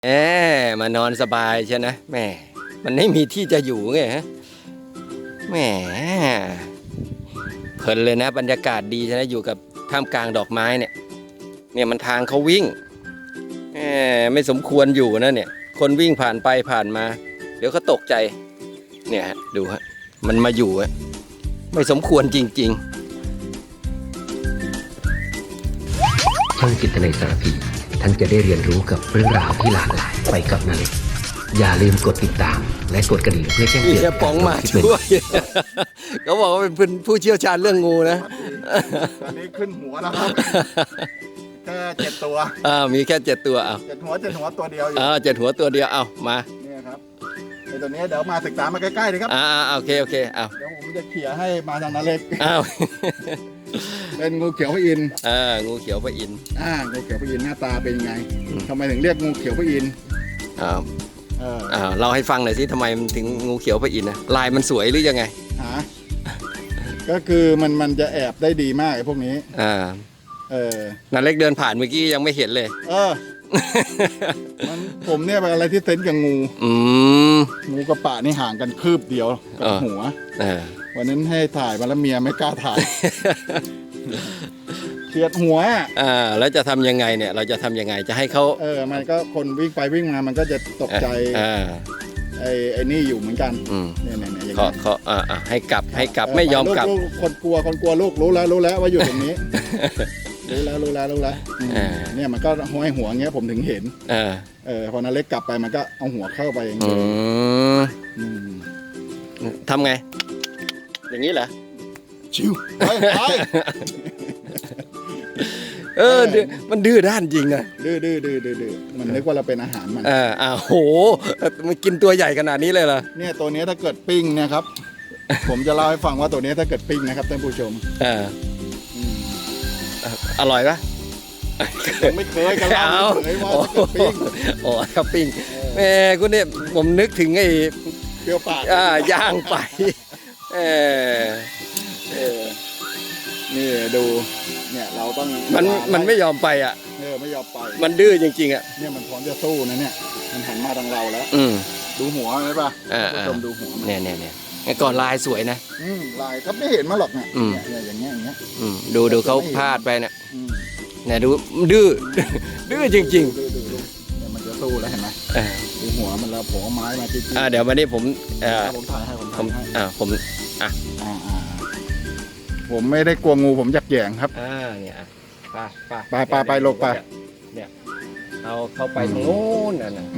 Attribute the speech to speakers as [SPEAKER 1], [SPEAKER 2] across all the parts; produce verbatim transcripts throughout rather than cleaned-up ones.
[SPEAKER 1] แหมมานอนสบายใช่นะแหมมันไม่มีที่จะอยู่ไงฮะแหมเพลินเลยนะบรรยากาศดีใช่ไหมอยู่กับท่ามกลางดอกไม้เนี่ยเนี่ยมันทางเขาวิ่งแหมไม่สมควรอยู่นะเนี่ยคนวิ่งผ่านไปผ่านมาเดี๋ยวเขาตกใจเนี่ยฮะดูฮะมันมาอยู่ฮะไม่สมควรจริงๆ
[SPEAKER 2] ช่องจิตในสารพีท่านจะได้เรียนรู้กับเรื่องราวที่หลากหลายไปกับนาเล็กอย่าลืมกดติดตามและกดกระดิ่งเพื่อแจ้งเตือน
[SPEAKER 1] พี่ป๋องมาช่วยเขาบอกว่าเป็นผู้เชี่ยวชาญเรื่องงูนะ
[SPEAKER 3] ตอนนี้ขึ้นหัวแล้วครับแค่เจ็ดตัว
[SPEAKER 1] อ่ามีแค่เจ็ดตัวเอา
[SPEAKER 3] เจ็ดหัวเจ็ดหัวตัวเดียวอยู่
[SPEAKER 1] อ่าเจ็ดหัวตัวเดียวเอามา
[SPEAKER 3] เนี่ยครับไอตัวนี้เดี๋ยวมาศึกษามาใกล้ๆเลยครับ
[SPEAKER 1] อ่าโอเคโอเคเอา
[SPEAKER 3] เดี๋ยวผมจะเขี่ยให้มาทางนาเล็ก
[SPEAKER 1] อ้าว
[SPEAKER 3] เป็นงูเขียวพระอินทร์
[SPEAKER 1] อ่างูเขียวพระอินทร์
[SPEAKER 3] อ่างูเขียวพระอินทร์หน้าตาเป็นยังไงทำไมถึงเรียกงูเขียวพระอินทร์
[SPEAKER 1] อ่าอ่าเราให้ฟังหน่อยสิทำไมมันถึงงูเขียวพระอินทร์นะลายมันสวยหรือยังไง
[SPEAKER 3] ฮะก็คือมันมันจะแอบได้ดีมากไอ้พวกนี้
[SPEAKER 1] อ่า
[SPEAKER 3] เออ
[SPEAKER 1] นันเล็กเดินผ่านเมื่อกี้ยังไม่เห็นเลย
[SPEAKER 3] เออมันผมเนี่ยเป็นอะไรที่เซนกับงู
[SPEAKER 1] อืม
[SPEAKER 3] งูกระปะนี่ห่างกันคืบเดียวกับหัววันนั้นให้ถ่ายมาแล้วเมียไม่กล้าถ่ายเฉียดหัว
[SPEAKER 1] อ่าแล้วจะทำยังไงเนี่ยเราจะทำยังไงจะให้เขา
[SPEAKER 3] เออมันก็คนวิ่งไปวิ่งมามันก็จะตกใจ
[SPEAKER 1] อ่า
[SPEAKER 3] ไอ้ไอ้นี่อยู่เหมือนกัน
[SPEAKER 1] เนี่ยเนี่ยเนี่ยเขาเขาอ่าให้กลับให้กลับไม่ยอมกลับ
[SPEAKER 3] คนกลัวคนกลัวลูกรู้แล้วรู้แล้วว่าอยู่ตรงนี้รู้แล้วรู้แล้วรู้แล้วเนี่ยมันก็ห้อยหัวเงี้ยผมถึงเห็นเออเออพอนาเล็กกลับไปมันก็เอาหัวเข้าไปอย่างเงี้ย
[SPEAKER 1] ทำไงอย่างนี้เหรอ
[SPEAKER 3] ชิวไปไป
[SPEAKER 1] เออมันดื้อด้านจริงนะ
[SPEAKER 3] ดื้อดื้อดื้อดื้อดื้อมันนึกว่าเราเป็นอาหารมัน
[SPEAKER 1] เอออ้าวโหมันกินตัวใหญ่ขนาดนี้เลยเหรอ
[SPEAKER 3] เนี่ยตัวนี้ถ้าเกิดปิ้งเนี่ยครับผมจะเล่าให้ฟังว่าตัวนี้ถ้าเกิดปิ้งนะครับท่านผู้ชม
[SPEAKER 1] เอออร่อยปะ
[SPEAKER 3] ไม่เคยกันแล้วไม่เคยว่าจะปิ้ง
[SPEAKER 1] อ๋อครับปิ้งแม่คุณเนี่ยผมนึกถึงไอ้
[SPEAKER 3] เปรี้ยวปาก
[SPEAKER 1] อ่าย่างไปเออ
[SPEAKER 3] เออนี่ดูเนี่ยเราต้อง
[SPEAKER 1] มันมันไม่ยอมไปอ่ะ
[SPEAKER 3] เออไม่ยอมไป
[SPEAKER 1] มันดื้อจริงๆอ่ะ
[SPEAKER 3] เนี่ยมันพร้อมจะสู้นะเนี่ยมันหันมาทางเราแล้ว
[SPEAKER 1] อืม
[SPEAKER 3] ดูหัวไหมป่ะผู้ชมดูหัว
[SPEAKER 1] เนี่ยเนี่ยเนี่ยก่อนลายสวยนะ
[SPEAKER 3] อืมลายก็ไม่เห็นมาหรอกเนี่ยเนี่ยอย่างเงี้ยอย่างเงี้ย
[SPEAKER 1] อืมดูดูเขาพลาดไปเนี่ยเนี่ยดูดื้อดื้อจริงๆ
[SPEAKER 3] เนี่ยมันจะสู้แล้วเห็นไหมดูหัวมันแล้วผมเอาไม้มาจริง
[SPEAKER 1] ๆอ่าเดี๋ยววันนี้ผมเอ่อ
[SPEAKER 3] ผมถ่ายให้ผม
[SPEAKER 1] ผมอ่าผมอ่ะ
[SPEAKER 3] ผมไม่ได้กลัวงูผมอยากแย่งครับ
[SPEAKER 1] อ่าเนี่ยไป
[SPEAKER 3] ไปไปไปลงไป
[SPEAKER 1] เนี่ยเอาเข้าไปตรงโน้นน่ะนะ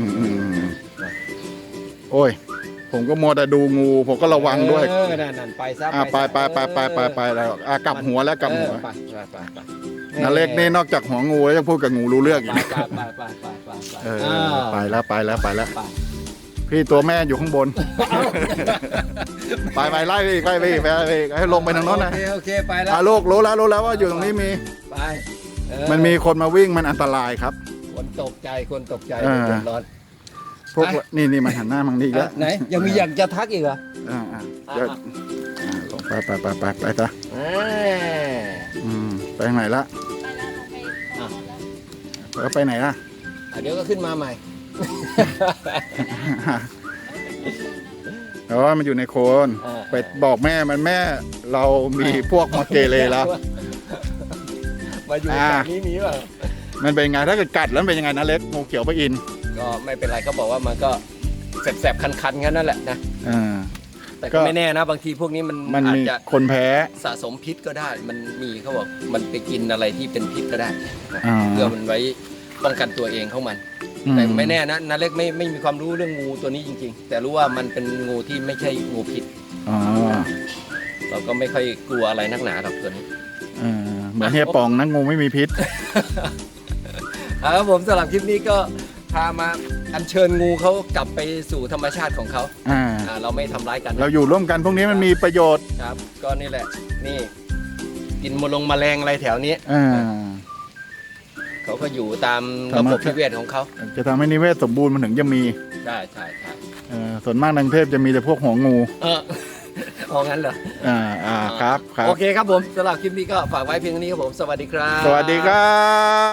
[SPEAKER 3] โอ้ยผมก็มัวแต่ดูงูผมก็ระวังด้วย
[SPEAKER 1] เออนั่นไปซะ
[SPEAKER 3] ไปไปไปไปไปไปแล้วกลับหัวแล้วกลับหัว
[SPEAKER 1] ไปไปไปไป
[SPEAKER 3] นาเล็กนี่นอกจากหัวงูแล้วยังพูดกับงูรู้เรื่องอีก
[SPEAKER 1] ไปไปไปไปไป
[SPEAKER 3] เออไปแล้วไปแล้วไปแล้วพี่ตัวแม่อยู่ข้างบนไปไปไล่ไปไปไปไปให้ลงไปทางโน้นนะ
[SPEAKER 1] โอเคโอเคไปแล้ว
[SPEAKER 3] ลูกรู้แล้วรู้แล้วว่าอยู่ตรงนี้มี
[SPEAKER 1] ไป
[SPEAKER 3] มันมีคนมาวิ่งมันอันตรายครับ
[SPEAKER 1] คนตกใจคนตกใจเดือดร้อน
[SPEAKER 3] พวกนี่นี่มันหันหน้ามังนี่แล้ว
[SPEAKER 1] ไหนยังมีอยากจะทักอีกเหรอ
[SPEAKER 3] อ่าอ่าเดี๋ยวลงไปไปไปไปไปจ้ะอืมไปไหนละแล้วไปไหนล่ะ
[SPEAKER 1] เดี๋ยวก็ขึ้นมาใหม่
[SPEAKER 3] แต่ว่ามันอยู่ในโคนไปบอกแม่มันแม่เรามีพวกมาเกเรแล้ว
[SPEAKER 1] มาอยู่แบบนี้มีป่ะ
[SPEAKER 3] มันเป็นไงถ้าเกิดกัดแล้วเป็นยังไงนะเล็กงูเขียวพระอินทร์
[SPEAKER 1] ก็ไม่เป็นไรเขาบอกว่ามันก็แสบๆคันๆงั้นนั่นแหละนะแต่ก็ไม่แน่นะบางทีพวกนี้มัน
[SPEAKER 3] มันอาจจะคนแพ้
[SPEAKER 1] สะสมพิษก็ได้มันมีเขาบอกมันไปกินอะไรที่เป็นพิษก็ได้เพื่อมันไว้ป้องกันตัวเองของมันแต่ไม่แน่นะนาเล็กไม่ไม่มีความรู้เรื่องงูตัวนี้จริงๆแต่รู้ว่ามันเป็นงูที่ไม่ใช่งูพิษเราก็ไม่ค่อยกลัวอะไรนักหนาหรอกตัวนี้
[SPEAKER 3] เหมือนเฮียปองนะงูไม่มีพิษ
[SPEAKER 1] ครับผมสำหรับคลิปนี้ก็พามาอัญเชิญงูเขากลับไปสู่ธรรมชาติของเขาเราไม่ทำร้ายกัน
[SPEAKER 3] เราอยู่ร่วมกันพวกนี้มันมีประโยชน์
[SPEAKER 1] ครับก็นี่แหละนี่กินมลงแมลงอะไรแถวนี้เขาก็อยู่ตามระบบนิเวศของเขา
[SPEAKER 3] จะทำให้นิเวศสมบูรณ์มันถึงจะมี
[SPEAKER 1] ใช่ใช่ใช่
[SPEAKER 3] ส่วนมากในกรุงเทพจะมีแต่พวกหัวงู
[SPEAKER 1] เออเอางั้นเหรอ
[SPEAKER 3] อ่าอ่าครับครับ
[SPEAKER 1] โอเคครับผมสำหรับคลิปนี้ก็ฝากไว้เพียงนี้ครับผมสวัสดีครับ
[SPEAKER 3] สวัสดีครับ